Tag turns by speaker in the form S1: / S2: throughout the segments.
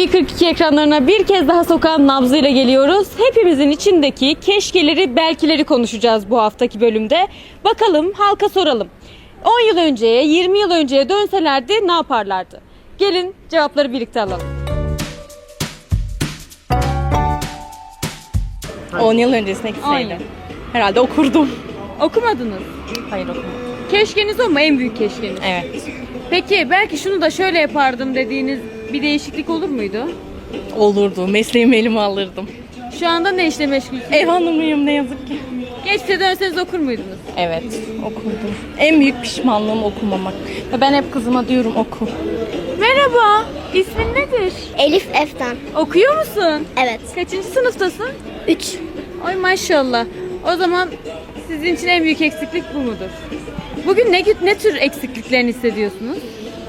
S1: TV42 ekranlarına bir kez daha sokağın nabzıyla geliyoruz. Hepimizin içindeki keşkeleri, belkileri konuşacağız bu haftaki bölümde. Bakalım, halka soralım. 10 yıl önceye, 20 yıl önceye dönselerdi ne yaparlardı? Gelin cevapları birlikte alalım.
S2: 10 yıl öncesine
S1: 10
S2: gitseydim.
S1: yıl.
S2: Herhalde okurdum.
S1: Okumadınız.
S2: Hayır okumadım.
S1: Keşkeniz o mu? En büyük keşkeniz.
S2: Evet.
S1: Peki belki şunu da şöyle yapardım dediğiniz bir değişiklik olur muydu?
S2: Olurdu. Mesleğimi elime alırdım.
S1: Şu anda ne işle meşgulsünüz?
S2: Ev hanımıyım ne yazık ki.
S1: Geçmişe dönseniz okur muydunuz?
S2: Evet okurdum. En büyük pişmanlığım okumamak. Ve ben hep kızıma diyorum oku.
S1: Merhaba, ismin nedir?
S3: Elif Eftan.
S1: Okuyor musun?
S3: Evet.
S1: Kaçıncı sınıftasın?
S3: 3.
S1: Ay maşallah. O zaman sizin için en büyük eksiklik bu mudur? Bugün ne tür eksikliklerini hissediyorsunuz?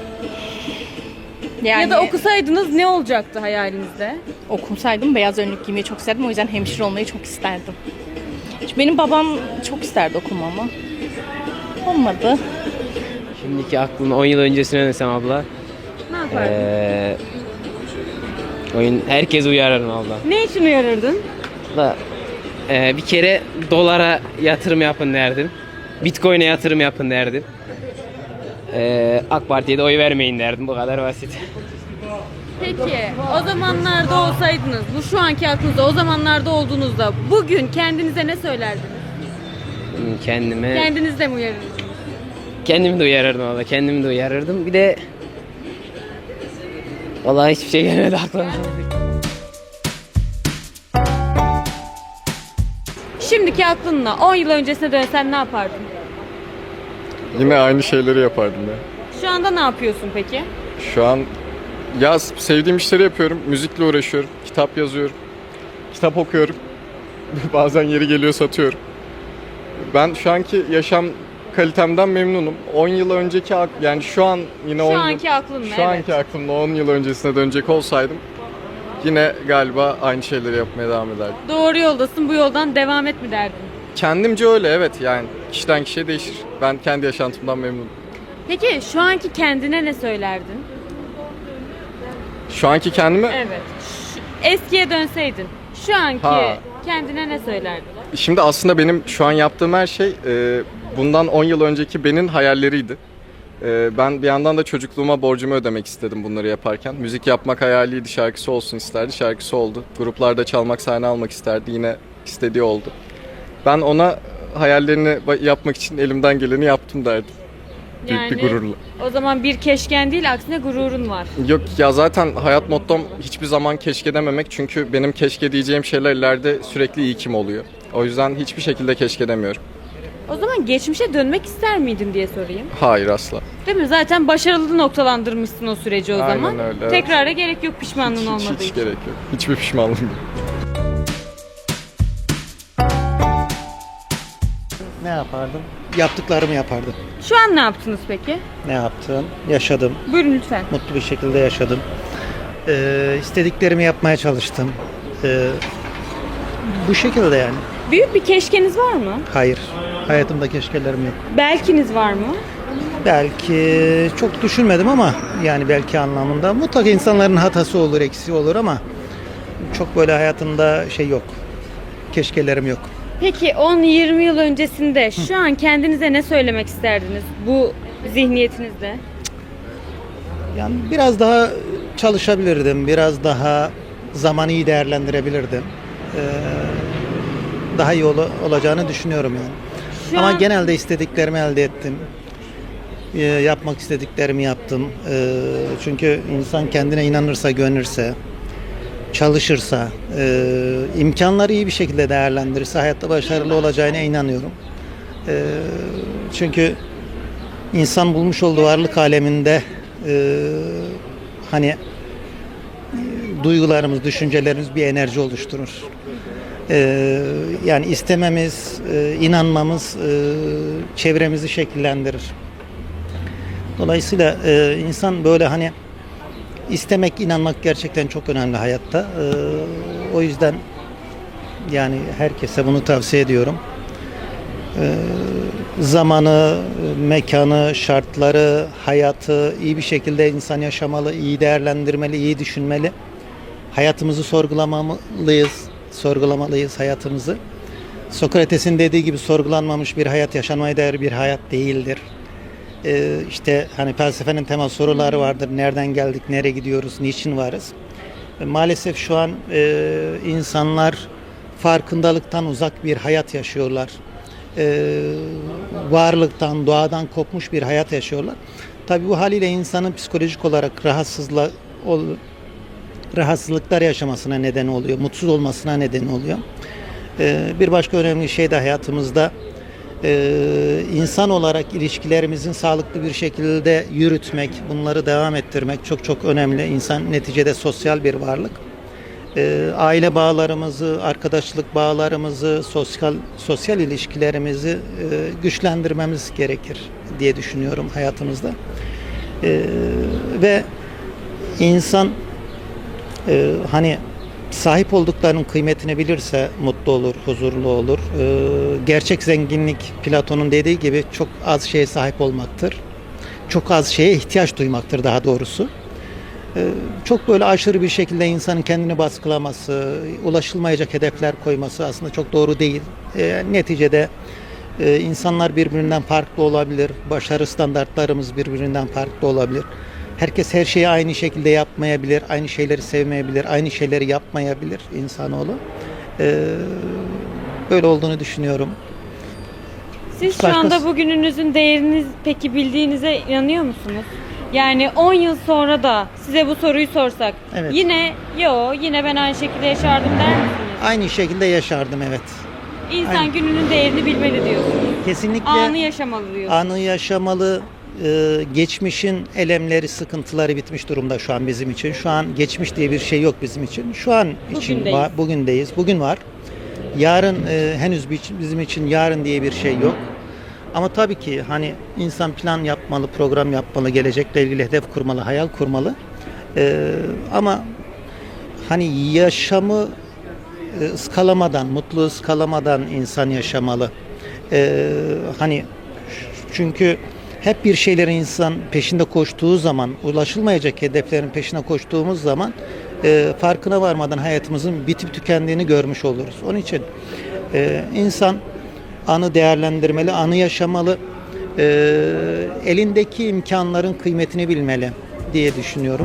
S2: Yani
S1: Ya da okusaydınız ne olacaktı hayalinizde?
S2: okumsaydım beyaz önlük giymeyi çok isterdim. O yüzden hemşire olmayı çok isterdim. Çünkü benim babam çok isterdi okumamı. Olmadı.
S4: Şimdiki aklımda 10 yıl öncesine dönsem abla.
S1: Ne yapardın?
S4: Herkes uyarırım abla.
S1: Ne için uyarırdın?
S4: Da, bir kere dolara yatırım yapın derdim. Bitcoin'e yatırım yapın derdim. AK Parti'ye de oy vermeyin derdim. Bu kadar basit.
S1: Peki o zamanlarda olsaydınız, bu şu anki aklınızda o zamanlarda olduğunuzda bugün kendinize ne söylerdiniz? Kendiniz de mi uyarırdınız?
S4: Kendimi de uyarırdım abla. Kendimi de uyarırdım. Bir de vallahi hiçbir şey gelmedi aklıma.
S1: Şimdiki aklınla 10 yıl öncesine dönsen ne yapardın?
S5: Yine aynı şeyleri yapardım ya.
S1: Şu anda ne yapıyorsun peki?
S5: Şu an sevdiğim işleri yapıyorum. Müzikle uğraşıyorum. Kitap yazıyorum. Kitap okuyorum. Bazen yeri geliyor satıyorum. Ben şu anki yaşam kalitemden memnunum. 10 yıl önceki yani şu an yine
S1: Şu
S5: 10
S1: anki
S5: yıl,
S1: aklınla,
S5: şu
S1: evet.
S5: anki aklımda 10 yıl öncesine dönecek olsaydım yine galiba aynı şeyleri yapmaya devam ederdim.
S1: Doğru yoldasın, bu yoldan devam et mi derdin?
S5: Kendimce öyle, evet, yani kişiden kişiye değişir. Ben kendi yaşantımdan memnunum.
S1: Peki şu anki kendine ne söylerdin?
S5: Şu anki kendime
S1: Evet. Eskiye dönseydin, şu anki
S5: Ha.
S1: kendine ne söylerdin?
S5: Şimdi aslında benim şu an yaptığım her şey bundan 10 yıl önceki benim hayalleriydi. Ben bir yandan da çocukluğuma borcumu ödemek istedim bunları yaparken. Müzik yapmak hayaliydi, şarkısı olsun isterdi, şarkısı oldu. Gruplarda çalmak, sahne almak isterdi, yine istediği oldu. Ben ona hayallerini yapmak için elimden geleni yaptım derdim. Büyük bir gururla.
S1: O zaman bir keşken değil, aksine gururun var.
S5: Yok ya, zaten hayat mottom hiçbir zaman keşke dememek. Çünkü benim keşke diyeceğim şeyler ileride sürekli iyi kim oluyor. O yüzden hiçbir şekilde keşke demiyorum.
S1: O zaman geçmişe dönmek ister miydin diye sorayım.
S5: Hayır, asla.
S1: Değil mi? Zaten başarılı noktalandırmışsın o süreci o
S5: Aynen
S1: zaman.
S5: öyle, evet.
S1: Tekrara gerek yok pişmanlığın olmadığı
S5: Hiç
S1: için.
S5: gerek yok. Hiçbir pişmanlığım yok.
S6: Ne yapardım? Yaptıklarımı yapardım.
S1: Şu an ne yaptınız peki?
S6: Ne yaptım? Yaşadım.
S1: Buyurun lütfen.
S6: Mutlu bir şekilde yaşadım. İstediklerimi yapmaya çalıştım. Bu şekilde yani.
S1: Büyük bir keşkeniz var mı?
S6: Hayır. Hayatımda keşkelerim yok.
S1: Belkiniz var mı?
S6: Belki çok düşünmedim ama yani belki anlamında. Mutlaka insanların hatası olur, eksiği olur ama çok böyle hayatımda şey yok. Keşkelerim yok.
S1: Peki 10-20 yıl öncesinde şu an kendinize ne söylemek isterdiniz bu zihniyetinizde?
S6: Yani biraz daha çalışabilirdim. Biraz daha zamanı iyi değerlendirebilirdim. Daha iyi olacağını düşünüyorum yani.
S1: Şu
S6: Ama
S1: an
S6: genelde istediklerimi elde ettim. Yapmak istediklerimi yaptım. Çünkü insan kendine inanırsa, güvenirse, çalışırsa, imkanları iyi bir şekilde değerlendirirse hayatta başarılı olacağına inanıyorum. Çünkü insan bulmuş olduğu varlık aleminde hani duygularımız, düşüncelerimiz bir enerji oluşturur. Yani istememiz, inanmamız çevremizi şekillendirir. Dolayısıyla insan böyle hani istemek, inanmak gerçekten çok önemli hayatta. O yüzden yani herkese bunu tavsiye ediyorum. Zamanı, mekanı, şartları, hayatı iyi bir şekilde insan yaşamalı, iyi değerlendirmeli, iyi düşünmeli. Hayatımızı sorgulamalıyız hayatımızı. Sokrates'in dediği gibi sorgulanmamış bir hayat yaşanmaya değer bir hayat değildir. İşte hani felsefenin temel soruları vardır. Nereden geldik, nereye gidiyoruz, niçin varız? Maalesef şu an insanlar farkındalıktan uzak bir hayat yaşıyorlar. Varlıktan, doğadan kopmuş bir hayat yaşıyorlar. Tabii bu haliyle insanın psikolojik olarak rahatsızlıklar yaşamasına neden oluyor, mutsuz olmasına neden oluyor. Bir başka önemli şey de hayatımızda insan olarak ilişkilerimizin sağlıklı bir şekilde yürütmek, bunları devam ettirmek çok çok önemli. İnsan neticede sosyal bir varlık. Aile bağlarımızı, arkadaşlık bağlarımızı, sosyal ilişkilerimizi güçlendirmemiz gerekir diye düşünüyorum hayatımızda. Ve insan hani sahip olduklarının kıymetini bilirse mutlu olur, huzurlu olur. Gerçek zenginlik Platon'un dediği gibi çok az şeye sahip olmaktır. Çok az şeye ihtiyaç duymaktır daha doğrusu. Çok böyle aşırı bir şekilde insanın kendini baskılaması, ulaşılmayacak hedefler koyması aslında çok doğru değil. Neticede insanlar birbirinden farklı olabilir, başarı standartlarımız birbirinden farklı olabilir. Herkes her şeyi aynı şekilde yapmayabilir, aynı şeyleri sevmeyebilir, aynı şeyleri yapmayabilir insanoğlu. Böyle olduğunu düşünüyorum.
S1: Siz şu anda bugününüzün değerini peki bildiğinize inanıyor musunuz? Yani 10 yıl sonra da size bu soruyu sorsak
S6: Evet.
S1: yine ben aynı şekilde yaşardım der misiniz?
S6: Aynı şekilde yaşardım, evet.
S1: İnsan
S6: Aynen.
S1: gününün değerini bilmeli diyorsunuz.
S6: Kesinlikle
S1: Anı yaşamalı diyorsunuz.
S6: anı yaşamalı. Geçmişin elemleri, sıkıntıları bitmiş durumda şu an bizim için. Şu an geçmiş diye bir şey yok bizim için. Şu an için
S1: Bugündeyiz.
S6: var, bugündeyiz. Bugün var. Yarın henüz bizim için yarın diye bir şey yok. Ama tabii ki hani insan plan yapmalı, program yapmalı, gelecekle ilgili hedef kurmalı, hayal kurmalı. Ama hani yaşamı ıskalamadan, mutlu ıskalamadan insan yaşamalı. Hani çünkü hep bir şeylerin insan peşinde koştuğu zaman, ulaşılmayacak hedeflerin peşine koştuğumuz zaman farkına varmadan hayatımızın bitip tükendiğini görmüş oluruz. Onun için insan anı değerlendirmeli, anı yaşamalı, elindeki imkanların kıymetini bilmeli diye düşünüyorum.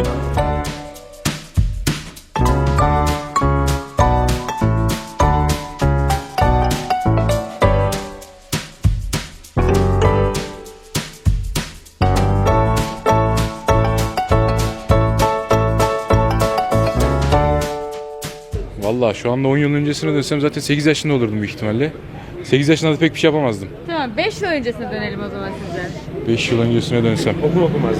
S3: Vallahi şu anda 10 yıl öncesine dönsem zaten 8 yaşında olurdum büyük ihtimalle. 8 yaşında da pek bir şey yapamazdım.
S1: Tamam 5 yıl öncesine dönelim o zaman size.
S3: 5 yıl öncesine dönsem. Okul okumazdım.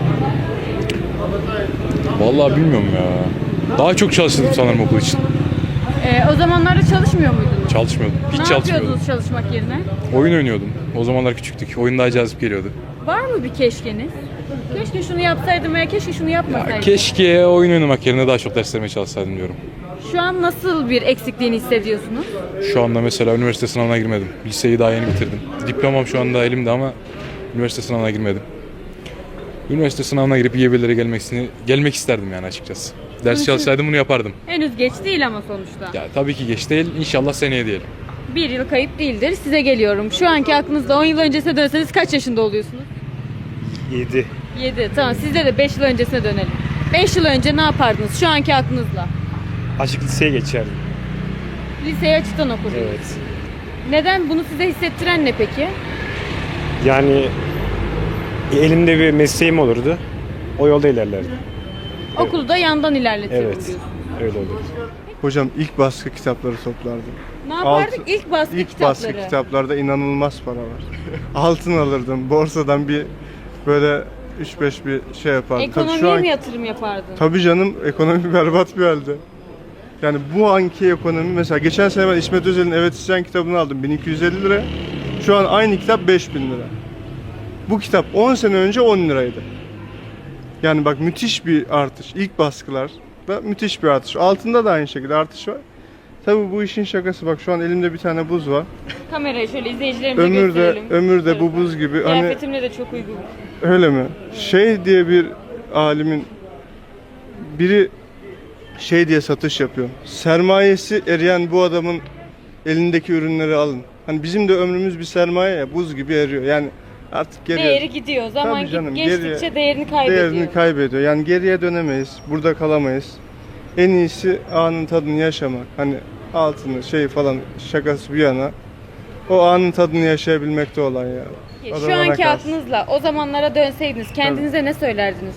S3: Vallahi bilmiyorum ya. Daha çok çalıştım sanırım okul için.
S1: O zamanlarda çalışmıyor muydunuz?
S3: Çalışmıyordum. Hiç
S1: Ne
S3: çalışmıyordum.
S1: yapıyordunuz çalışmak yerine?
S3: Oyun oynuyordum. O zamanlar küçüktük. Oyun daha cazip geliyordu.
S1: Var mı bir keşkeniz? Keşke şunu yapsaydım veya keşke şunu yapmasaydım.
S3: Keşke oyun oynamak yerine daha çok derslerime çalışsaydım diyorum.
S1: Şu an nasıl bir eksikliğini hissediyorsunuz?
S3: Şu anda mesela üniversite sınavına girmedim. Liseyi daha yeni bitirdim. Diplomam şu anda elimde ama üniversite sınavına girmedim. Üniversite sınavına girip iyi bir yerlere gelmek isterdim yani açıkçası. Ders çalışsaydım bunu yapardım.
S1: Henüz geç değil ama sonuçta.
S3: Ya tabii ki geç değil. İnşallah seneye diyelim.
S1: Bir yıl kayıp değildir. Size geliyorum. Şu anki aklınızda 10 yıl öncesine dönseniz kaç yaşında oluyorsunuz?
S7: 7.
S1: 7. Tamam sizde de 5 yıl öncesine dönelim. 5 yıl önce ne yapardınız şu anki aklınızla?
S7: Açık liseye geçerdim.
S1: Liseyi açıktan okurdunuz.
S7: Evet.
S1: Neden? Bunu size hissettiren ne peki?
S7: Yani elimde bir mesleğim olurdu. O yolda ilerlerdim.
S1: Okulu da yandan ilerletiyorum
S7: Evet.
S1: diyorsun.
S7: Öyle olurdu.
S8: Hocam ilk baskı kitapları toplardım.
S1: Ne yapardık?
S8: Altı-
S1: İlk baskı
S8: İlk
S1: kitapları.
S8: baskı kitaplarda inanılmaz para var. Altın alırdım. Borsadan bir böyle 3-5 bir şey yapardım.
S1: Ekonomiye mi yatırım yapardın?
S8: Tabii canım, ekonomi berbat bir halde. Yani bu anki ekonomi, mesela geçen sene ben İsmet Özel'in Evet İsyan kitabını aldım 1250 lira. Şu an aynı kitap 5000 lira. Bu kitap 10 sene önce 10 liraydı. Yani bak müthiş bir artış. İlk baskılarda müthiş bir artış. Altında da aynı şekilde artış var. Tabii bu işin şakası, bak şu an elimde bir tane buz var.
S1: Kamerayı şöyle izleyicilerimize gösterelim.
S8: Ömürde bu buz gibi. Hani
S1: Kıyafetimle de çok uygun.
S8: öyle mi? Şey diye bir alimin biri şey diye satış yapıyor. Sermayesi eriyen bu adamın elindeki ürünleri alın. Hani bizim de ömrümüz bir sermaye ya, buz gibi eriyor. Yani artık geriye...
S1: Değeri gidiyor. Zaman
S8: Tabii canım,
S1: geçtikçe
S8: geriye-
S1: değerini kaybediyor.
S8: Değerini kaybediyor. Yani geriye dönemeyiz. Burada kalamayız. En iyisi anın tadını yaşamak. Hani altını şey falan şakası bir yana. O anın tadını yaşayabilmekte olan ya.
S1: Peki,
S8: O da
S1: şu
S8: bana
S1: anki
S8: kalsın.
S1: aklınızla o zamanlara dönseydiniz kendinize ne söylerdiniz?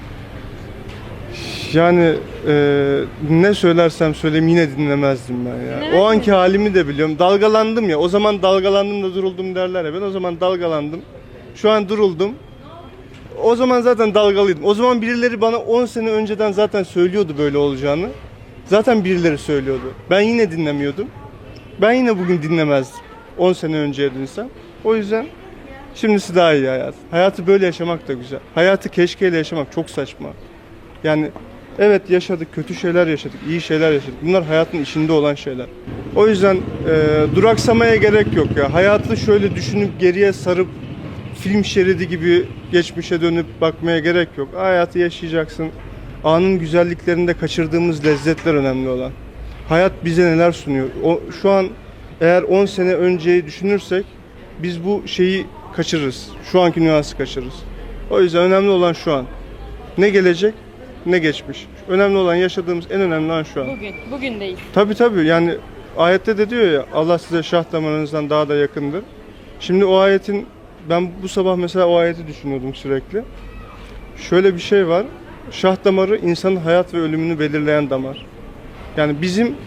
S8: Yani ne söylersem söyleyeyim yine dinlemezdim ben ya.
S1: Dinlemezdin
S8: O anki
S1: mi?
S8: halimi de biliyorum. Dalgalandım ya. O zaman dalgalandım da duruldum derler ya. Ben o zaman dalgalandım. Şu an duruldum. O zaman zaten dalgalıydım. O zaman birileri bana 10 sene önceden zaten söylüyordu böyle olacağını. Zaten birileri söylüyordu. Ben yine dinlemiyordum. Ben yine bugün dinlemezdim. 10 sene önceye dönsem. O yüzden şimdisi daha iyi hayat. Hayatı böyle yaşamak da güzel. Hayatı keşkeyle yaşamak çok saçma. Yani evet yaşadık, kötü şeyler yaşadık, iyi şeyler yaşadık. Bunlar hayatın içinde olan şeyler. O yüzden duraksamaya gerek yok ya. Hayatı şöyle düşünüp geriye sarıp film şeridi gibi geçmişe dönüp bakmaya gerek yok. Hayatı yaşayacaksın. Anın güzelliklerinde kaçırdığımız lezzetler önemli olan. Hayat bize neler sunuyor? Şu an eğer 10 sene önceyi düşünürsek biz bu şeyi kaçırırız. Şu anki nüansı kaçırırız. O yüzden önemli olan şu an. Ne gelecek ne geçmiş. Önemli olan yaşadığımız en önemli an şu an.
S1: Bugündeyiz.
S8: Tabii yani ayette de diyor ya Allah size şah damarınızdan daha da yakındır. Şimdi o ayetin ben bu sabah mesela o ayeti düşünüyordum sürekli. Şöyle bir şey var. Şah damarı insanın hayat ve ölümünü belirleyen damar. Yani bizim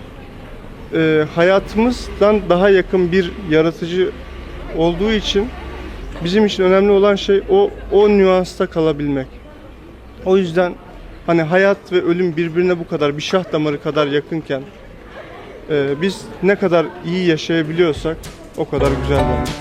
S8: hayatımızdan daha yakın bir yaratıcı olduğu için bizim için önemli olan şey o nüansta kalabilmek. O yüzden hani hayat ve ölüm birbirine bu kadar bir şah damarı kadar yakınken biz ne kadar iyi yaşayabiliyorsak o kadar güzel bence.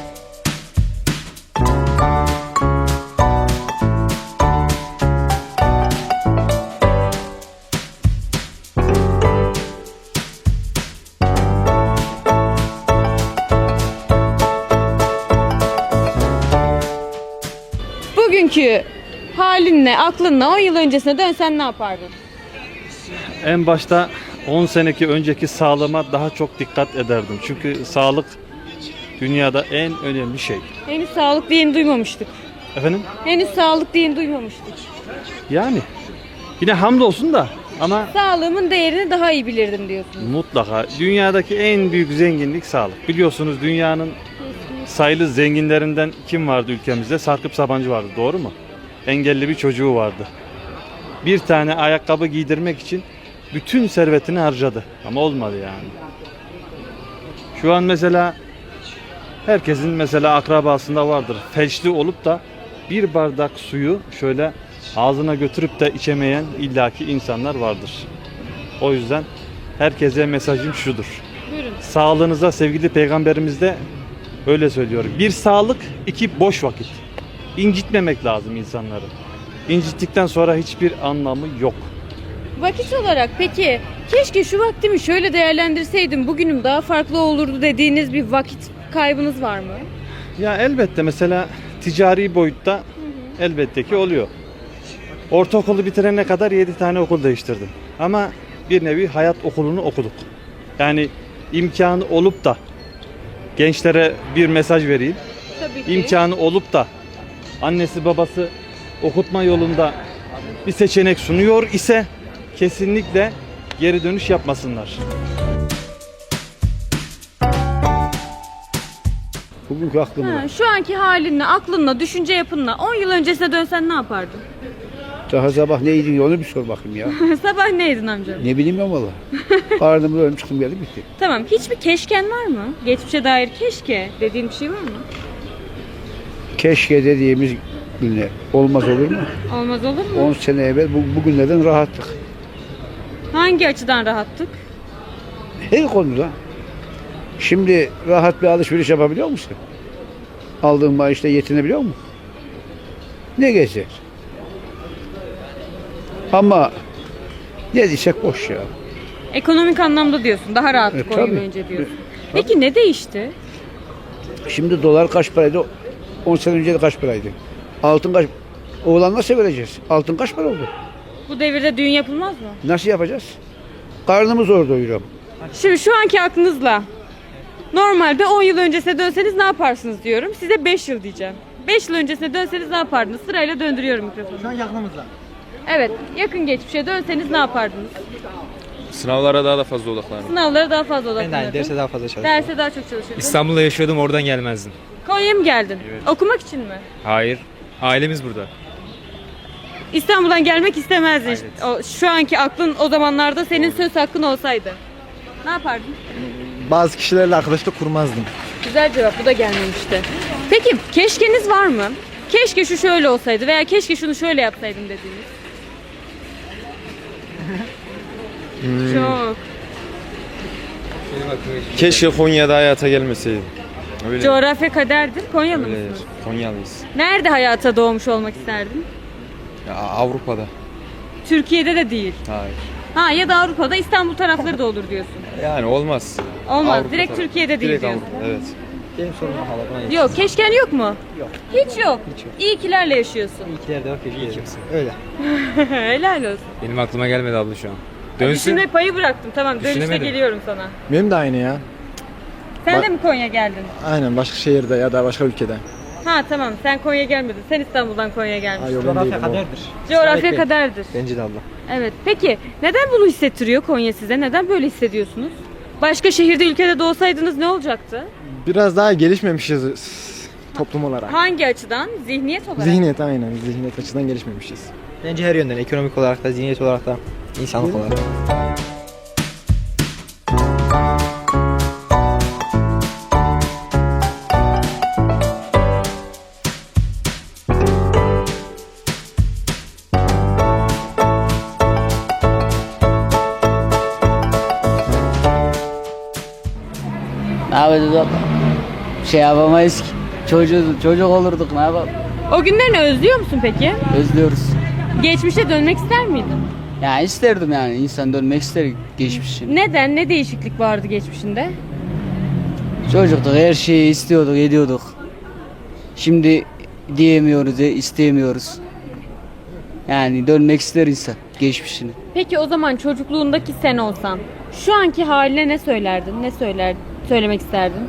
S1: Bugünkü halinle, aklınla 10 yıl öncesine dönsen ne yapardın?
S9: En başta 10 seneki önceki sağlığıma daha çok dikkat ederdim. Çünkü sağlık dünyada en önemli şey.
S1: Henüz sağlık diyeni duymamıştık.
S9: Efendim?
S1: Henüz sağlık diyeni duymamıştık.
S9: Yani yine hamdolsun da ama
S1: Sağlığımın değerini daha iyi bilirdim diyorsun.
S9: mutlaka dünyadaki en büyük zenginlik sağlık. Biliyorsunuz dünyanın sayılı zenginlerinden kim vardı ülkemizde? Sarkıp Sabancı vardı, doğru mu? Engelli bir çocuğu vardı. Bir tane ayakkabı giydirmek için bütün servetini harcadı. Ama olmadı yani. Şu an mesela herkesin mesela akrabasında vardır. Felçli olup da bir bardak suyu şöyle ağzına götürüp de içemeyen illaki insanlar vardır. O yüzden herkese mesajım şudur.
S1: Buyurun.
S9: Sağlığınıza sevgili peygamberimiz de öyle söylüyor. Bir sağlık, iki boş vakit. İncitmemek lazım insanları. İncittikten sonra hiçbir anlamı yok.
S1: Vakit olarak peki keşke şu vaktimi şöyle değerlendirseydim bugünüm daha farklı olurdu dediğiniz bir vakit kaybınız var mı?
S9: Ya elbette mesela ticari boyutta elbette ki oluyor. Ortaokulu bitirene kadar 7 tane okul değiştirdim. Ama bir nevi hayat okulunu okuduk. Yani imkanı olup da gençlere bir mesaj vereyim.
S1: Tabii ki.
S9: İmkanı olup da annesi babası okutma yolunda bir seçenek sunuyor ise kesinlikle geri dönüş yapmasınlar.
S10: Bugünkü aklımda.
S1: Şu anki halinle, aklınla, düşünce yapınla 10 yıl öncesine dönsen ne yapardın?
S10: Daha sabah neydin ya onu bir sor bakayım ya.
S1: Sabah neydin amca?
S10: Ne bileyim ya valla. Karnımda ölüm çıktım geldi bitti.
S1: Tamam, hiçbir keşken var mı? Geçmişe dair keşke dediğin bir şey var mı?
S10: Keşke dediğimiz günler olmaz olur mu?
S1: Olmaz olur mu?
S10: 10 sene evvel bugünlerden rahattık.
S1: Hangi açıdan rahattık?
S10: Her konuda. Şimdi rahat bir alışveriş yapabiliyor musun? Aldığın maaşla yetinebiliyor musun? Ne gezer? Ama ne diyecek boş ya.
S1: Ekonomik anlamda diyorsun, daha rahattık 10 yıl
S10: tabii.
S1: önce diyorsun. Peki ne değişti?
S10: Şimdi dolar kaç paraydı? 10 sene önce de kaç paraydı? Altın kaç? Oğlan nasıl vereceğiz? Altın kaç para oldu?
S1: Bu devirde düğün yapılmaz mı?
S10: Nasıl yapacağız? Karnımı zor doyuruyorum.
S1: Şimdi şu anki aklınızla normalde 10 yıl öncesine dönseniz ne yaparsınız diyorum. Size 5 yıl diyeceğim. 5 yıl öncesine dönseniz ne yapardınız? Sırayla döndürüyorum mikrofonu.
S6: Şu an aklımızda.
S1: Evet, yakın geçmişe dönseniz ne yapardınız?
S11: Sınavlara daha da fazla odaklanırım.
S1: Sınavlara daha fazla odaklanırdın.
S11: Derse daha fazla çalışırım.
S1: Derse daha çok çalışırdın.
S11: İstanbul'da yaşıyordum, oradan gelmezdim.
S1: Konya'ya mı geldin? Okumak için mi?
S11: Hayır. Ailemiz burada.
S1: İstanbul'dan gelmek istemezdin. O, şu anki aklın o zamanlarda senin söz hakkın olsaydı. Ne yapardın?
S12: Bazı kişilerle arkadaşlık kurmazdım.
S1: Güzel cevap, bu da gelmemişti. Peki keşkeniz var mı? Keşke şu şöyle olsaydı veya keşke şunu şöyle yapsaydım dediğiniz. Çok.
S11: Keşke Konya'da hayata gelmeseydim. Öyle.
S1: Coğrafya kaderdir. Konyalı
S11: Öyledir.
S1: mısınız?
S11: Konyalıyız.
S1: Nerede hayata doğmuş olmak isterdin?
S11: Ya, Avrupa'da.
S1: Türkiye'de de değil.
S11: Hayır.
S1: Ha, ya da Avrupa'da, İstanbul tarafları da olur diyorsun.
S11: Yani olmaz.
S1: Olmaz.
S11: Avrupa
S1: Direkt
S11: tarafı.
S1: Türkiye'de değil
S11: Direkt
S1: diyorsun.
S11: Avrupa, evet.
S12: Benim sorunum hala.
S1: Yok, keşken yok mu?
S12: Yok.
S1: Hiç yok. İyi kilerle yaşıyorsun.
S12: İkiler de var, öyle.
S1: Helal olsun.
S11: Benim aklıma gelmedi abla şu an.
S1: Düşünme payı bıraktım. Tamam, dönüşte
S11: Düşünemedim.
S1: geliyorum sana.
S12: Benim de aynı ya.
S1: Sen de mi Konya geldin?
S12: Aynen, başka şehirde ya da başka ülkede.
S1: Ha tamam, sen Konya gelmedin. Sen İstanbul'dan Konya'ya gelmişsin.
S12: Coğrafya
S6: kaderdir.
S1: Coğrafya kaderdir.
S12: Bence de abla.
S1: Evet. Peki neden bunu hissettiriyor Konya size? Neden böyle hissediyorsunuz? Başka şehirde, ülkede doğsaydınız ne olacaktı?
S12: Biraz daha gelişmemişiz toplum olarak.
S1: Hangi açıdan? Zihniyet olarak.
S12: Zihniyet aynen. Zihniyet açıdan gelişmemişiz.
S10: Bence her yönden, ekonomik olarak da, zihniyet olarak da, insanlık olarak.
S13: Ne yapacağız abla? Şey yapamayız ki. Çocuk olurduk, ne yapalım?
S1: O günlerini özlüyor musun peki?
S13: Özlüyoruz.
S1: Geçmişe dönmek ister miydin?
S13: Yani isterdim yani. İnsan dönmek ister geçmişe.
S1: Neden? Ne değişiklik vardı geçmişinde?
S13: Çocuktuk, her şeyi istiyorduk, ediyorduk. Şimdi diyemiyoruz, isteyemiyoruz. Yani dönmek ister insan geçmişini.
S1: Peki o zaman çocukluğundaki sen olsan şu anki haline ne söylerdin? Söylemek isterdin?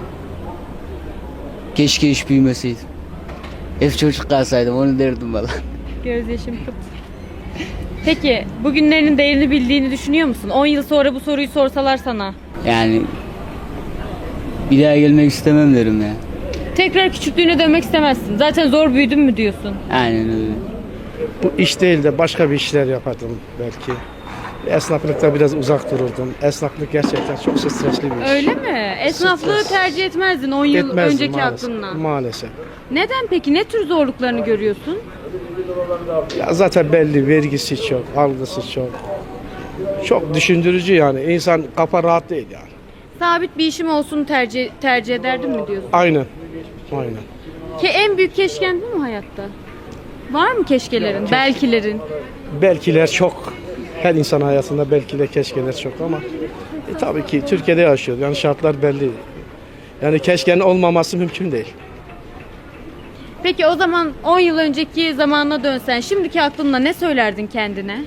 S13: Keşke hiç büyümeseydim. Hep çocuk kalsaydım, onu derdim valla.
S1: Gözyaşım kıt. Peki bugünlerin değerini bildiğini düşünüyor musun? 10 yıl sonra bu soruyu sorsalar sana.
S13: Yani bir daha gelmek istemem derim ya.
S1: Tekrar küçüklüğüne dönmek istemezsin. Zaten zor büyüdüm mü diyorsun.
S13: Aynen öyle.
S6: Bu iş değil de başka bir işler yapardım belki. Esnaflıkta biraz uzak dururdum. Esnaflık gerçekten çok stresli bir iş.
S1: Öyle mi? Esnaflığı tercih etmezdin 10 yıl
S6: Etmezdim
S1: önceki
S6: maalesef.
S1: aklınla.
S6: Maalesef.
S1: Neden peki? Ne tür zorluklarını görüyorsun?
S6: Ya zaten belli, vergisi çok, algısı çok. Çok düşündürücü yani. İnsan kafa rahat değil yani.
S1: Sabit bir işim olsun tercih ederdim mi diyorsun?
S6: Aynen. Aynen.
S1: En büyük keşken bu mu hayatta? Var mı keşkelerin, belkilerin?
S6: Belkiler çok. Her insan hayatında belkiler, keşkeler çok ama tabii ki Türkiye'de yaşıyor. Yani şartlar belli. Yani keşkenin olmaması mümkün değil.
S1: Peki o zaman 10 yıl önceki zamanına dönsen şimdiki aklınla ne söylerdin kendine?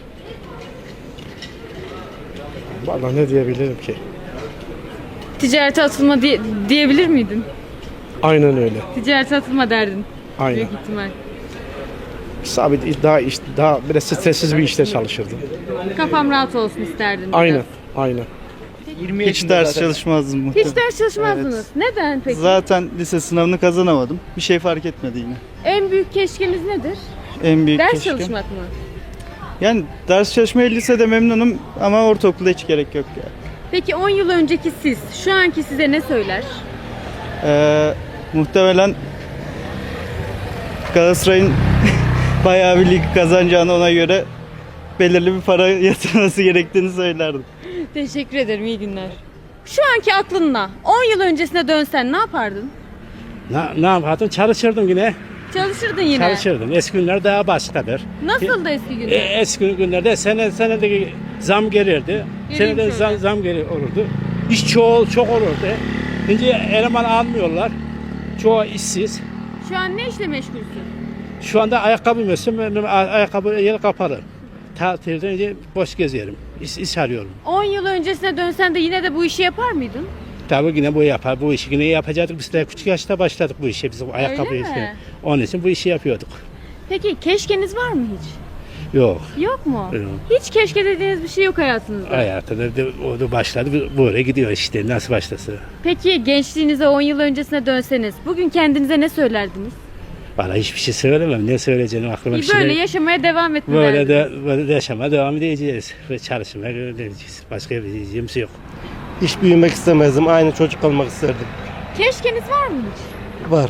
S6: Vallahi ne diyebilirim ki?
S1: Ticarete atılma diyebilir miydin?
S6: Aynen öyle.
S1: Ticarete atılma derdin.
S6: Aynen.
S1: Büyük ihtimal.
S6: Sabit daha biraz stressiz bir işte çalışırdım.
S1: Kafam rahat olsun isterdin. biraz.
S6: Aynen. Aynen.
S10: Hiç ders çalışmazdım
S1: Hiç ders çalışmazdınız. Neden peki?
S10: Zaten lise sınavını kazanamadım. Bir şey fark etmedi yine.
S1: En büyük keşkeniz nedir?
S10: En büyük
S1: Ders
S10: keşkem.
S1: çalışmak mı?
S10: Yani ders çalışmaya lisede memnunum ama ortaokulda hiç gerek yok yani.
S1: Peki 10 yıl önceki siz, şu anki size ne söyler?
S10: Muhtemelen Galatasaray'ın bayağı bir lig kazanacağını, ona göre belirli bir para yatırması gerektiğini söylerdim.
S1: Teşekkür ederim, iyi günler. Şu anki aklınla 10 yıl öncesine dönsen ne yapardın?
S7: Ne yapardım? Çalışırdım yine.
S1: Çalışırdın yine.
S7: Çalışırdım. Eski günler daha başkadır.
S1: Nasıldı eski günler?
S7: Eski günlerde senedeki zam gelirdi.
S1: Geleyim şöyle.
S7: Zam olurdu. İş çok olurdu. Şimdi eleman almıyorlar. Çoğu işsiz.
S1: Şu an ne işle meşgulsün?
S7: Şu anda ayakkabı mesela, ayakkabı yeri kapalı. tatilden önce boş geziyorum. İş arıyorum.
S1: 10 yıl öncesine dönsen de yine de bu işi yapar mıydın?
S7: Tabii yine bu yapar. Bu işi yine yapacaktık. Biz de küçük yaşta başladık bu işe. Biz ayakkabı
S1: mi?
S7: işi. Onun için bu işi yapıyorduk.
S1: Peki keşkeniz var mı hiç?
S7: Yok.
S1: Yok mu?
S7: Yok.
S1: Hiç keşke dediğiniz bir şey yok hayatınızda.
S7: Hayatında o da başladı. Böyle gidiyor işte. Nasıl başlasa.
S1: Peki gençliğinize 10 yıl öncesine dönseniz bugün kendinize ne söylerdiniz?
S7: Bana hiçbir şey söylemem. Ne söyleyeceğim aklıma bir şey.
S1: Böyle yaşamaya devam etme
S7: Böyle
S1: derdiniz.
S7: böyle yaşamaya devam edeceğiz. Ve çalışmaya edeceğiz. Başka bir diyeceğimiz yok.
S12: Hiç büyümek istemezdim. Aynı çocuk olmak isterdim.
S1: Keşkeniz var mı hiç?
S12: Var.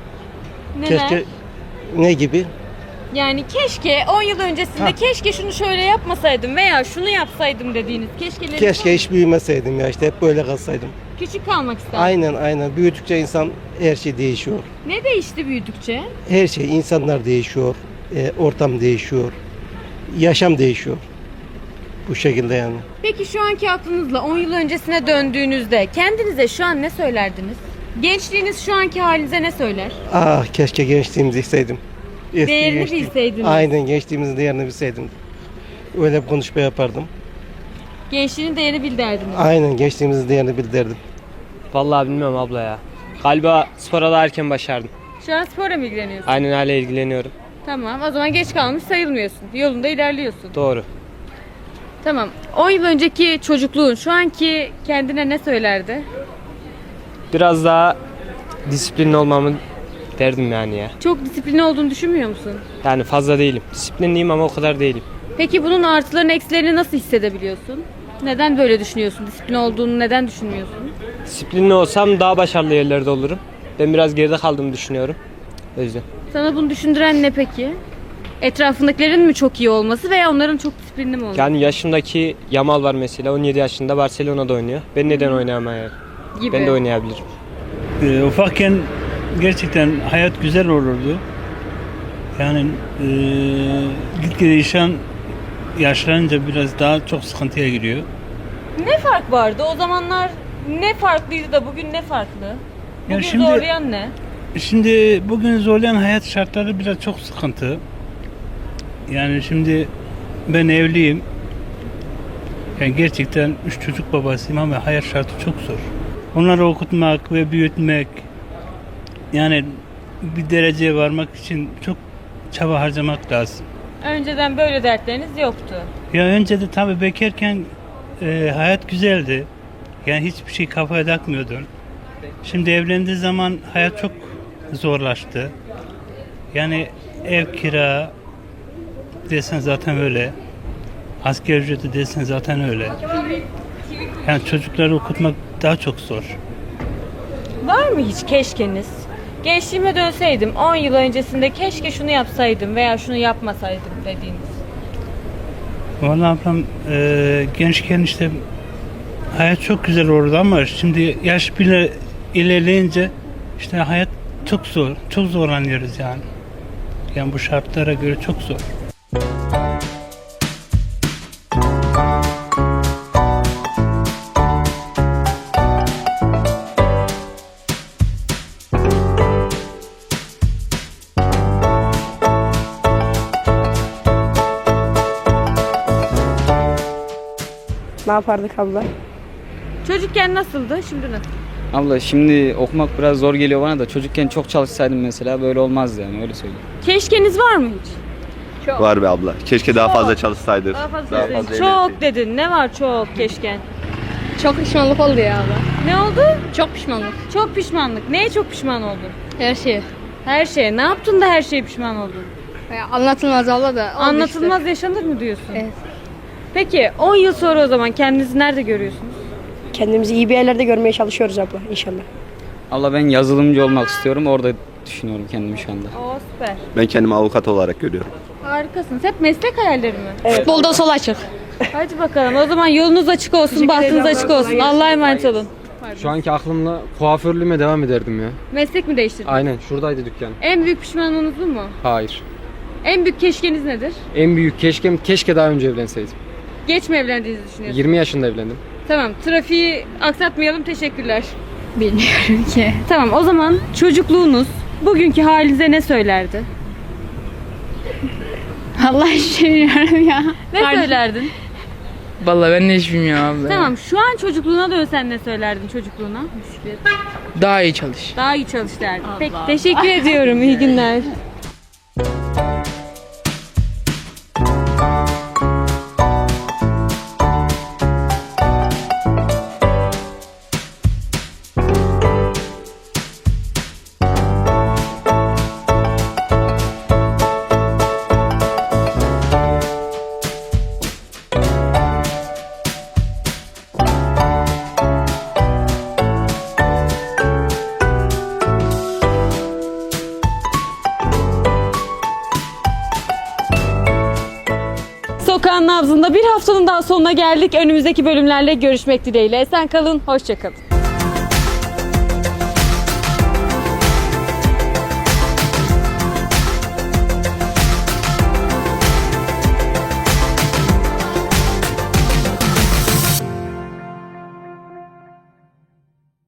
S1: Neler?
S12: Ne gibi?
S1: Yani keşke 10 yıl öncesinde keşke şunu şöyle yapmasaydım veya şunu yapsaydım dediğiniz keşkeleriniz var
S12: Keşke
S1: mı?
S12: hiç büyümeseydim ya. İşte hep böyle kalsaydım.
S1: Küçük kalmak isterdim.
S12: Aynen. Büyüdükçe insan her şey değişiyor.
S1: Ne değişti büyüdükçe?
S12: Her şey, insanlar değişiyor. Ortam değişiyor. Yaşam değişiyor. Bu şekilde yani.
S1: Peki şu anki aklınızla 10 yıl öncesine döndüğünüzde kendinize şu an ne söylerdiniz? Gençliğiniz şu anki halinize ne söyler?
S12: Ah keşke gençliğimizi bilseydim. Eski
S1: Değerini
S12: gençliğim.
S1: bilseydiniz.
S12: Aynen gençliğimizin değerini bilseydim. Öyle bir konuşma yapardım.
S1: Gençliğinin değerini bil derdiniz.
S12: Aynen gençliğimizin değerini bildirdim.
S4: Vallahi bilmiyorum abla ya. Galiba spora da erken başardım.
S1: Şu an sporla mı ilgileniyorsun?
S4: Aynen hala ilgileniyorum.
S1: Tamam, o zaman geç kalmış sayılmıyorsun. Yolunda ilerliyorsun.
S4: Doğru.
S1: Tamam. 10 yıl önceki çocukluğun şu anki kendine ne söylerdi?
S4: Biraz daha disiplinli olmamı derdim yani ya.
S1: Çok disiplinli olduğunu düşünmüyor musun?
S4: Yani fazla değilim. Disiplinliyim ama o kadar değilim.
S1: Peki bunun artılarını eksilerini nasıl hissedebiliyorsun? Neden böyle düşünüyorsun? Disiplin olduğunu neden düşünmüyorsun?
S4: Disiplinli olsam daha başarılı yerlerde olurum. Ben biraz geride kaldığımı düşünüyorum. O yüzden.
S1: Sana bunu düşündüren ne peki? Etrafındakilerin mi çok iyi olması veya onların çok disiplinli mi olması?
S4: Yani yaşımdaki Yamal var mesela. 17 yaşında Barcelona'da oynuyor. Ben neden oynayamayayım?
S1: Gibi.
S4: Ben de oynayabilirim.
S7: Ufakken gerçekten hayat güzel olurdu. Yani gitgide insan yaşlanınca biraz daha çok sıkıntıya giriyor.
S1: Ne fark vardı? O zamanlar ne farklıydı da bugün ne farklı? Bugün
S7: şimdi-
S1: zorlayan ne?
S7: Şimdi bugün zorlayan hayat şartları biraz çok sıkıntı. Yani şimdi ben evliyim. Yani gerçekten 3 çocuk babasıyım ama hayat şartı çok zor. Onları okutmak ve büyütmek, yani bir dereceye varmak için çok çaba harcamak lazım.
S1: Önceden böyle dertleriniz yoktu.
S7: Ya önce de tabii bekarken hayat güzeldi. Yani hiçbir şey kafaya takmıyordun. Şimdi evlendiği zaman hayat çok zorlaştı. Yani ev kira desen zaten öyle. Asgari ücreti desen zaten öyle. Yani çocukları okutmak daha çok zor.
S1: Var mı hiç keşkeniz? Gençliğime dönseydim 10 yıl öncesinde keşke şunu yapsaydım veya şunu yapmasaydım dediğiniz.
S7: Vallahi ablam gençken işte hayat çok güzel olurdu ama şimdi yaş bile ilerleyince işte hayat çok zor. Çok zorlanıyoruz yani. Yani bu şartlara göre çok zor.
S2: Ne yapardık abla?
S1: Çocukken nasıldı? Şimdi nasıl?
S13: Abla şimdi okumak biraz zor geliyor bana da çocukken çok çalışsaydım mesela böyle olmazdı yani öyle söyleyeyim.
S1: Keşkeniz var mı hiç? Çok.
S14: Var be abla. Keşke daha
S1: Çok.
S14: fazla çalışsaydık.
S1: Daha fazla
S14: Daha
S1: dedin.
S14: fazla
S1: Çok dedin. Ne var çok keşken?
S2: Çok pişmanlık oldu ya abla.
S1: Ne oldu?
S2: Çok pişmanlık.
S1: Çok pişmanlık. Neye çok pişman oldun?
S2: Her şey.
S1: Her şeye. Ne yaptın da her şeye pişman oldun?
S2: Anlatılmaz abla da.
S1: Anlatılmaz yaşanır mı diyorsun?
S2: Evet.
S1: Peki 10 yıl sonra o zaman kendinizi nerede görüyorsunuz?
S2: Kendimizi iyi bir yerlerde görmeye çalışıyoruz abla inşallah.
S13: Abla ben yazılımcı olmak istiyorum orada düşünüyorum kendimi şu anda.
S1: Oo süper.
S14: Ben kendimi avukat olarak görüyorum.
S1: Harikasınız. Hep meslek hayalleri mi?
S2: Evet. Futbolda sol açık.
S1: Hadi bakalım. O zaman yolunuz açık olsun, bahtınız açık olsun. Allah'a emanet olun.
S11: Şu anki aklımla kuaförlüğüme devam ederdim ya.
S1: Meslek mi değiştirdin?
S11: Aynen şuradaydı dükkan.
S1: En büyük pişmanlığınız bu mu?
S11: Hayır.
S1: En büyük keşkeniz nedir?
S11: En büyük keşke daha önce evlenseydim.
S1: Geç mi evlendiğinizi düşünüyorsunuz?
S11: 20 yaşında evlendim.
S1: Tamam. Trafiği aksatmayalım. Teşekkürler.
S2: Bilmiyorum ki.
S1: Tamam. O zaman çocukluğunuz bugünkü halinize ne söylerdi?
S2: Vallahi hiç bilmiyorum ya.
S1: Ne söylerdin?
S2: Vallahi ben de hiç bilmiyorum abla.
S1: Tamam, şu an çocukluğuna dönsen ne söylerdin çocukluğuna?
S2: Daha iyi çalış.
S1: Daha iyi çalış derdin. Peki, teşekkür ediyorum. İyi günler. Sokağın nabzında bir haftanın daha sonuna geldik. Önümüzdeki bölümlerle görüşmek dileğiyle. Esen kalın, hoşça kalın.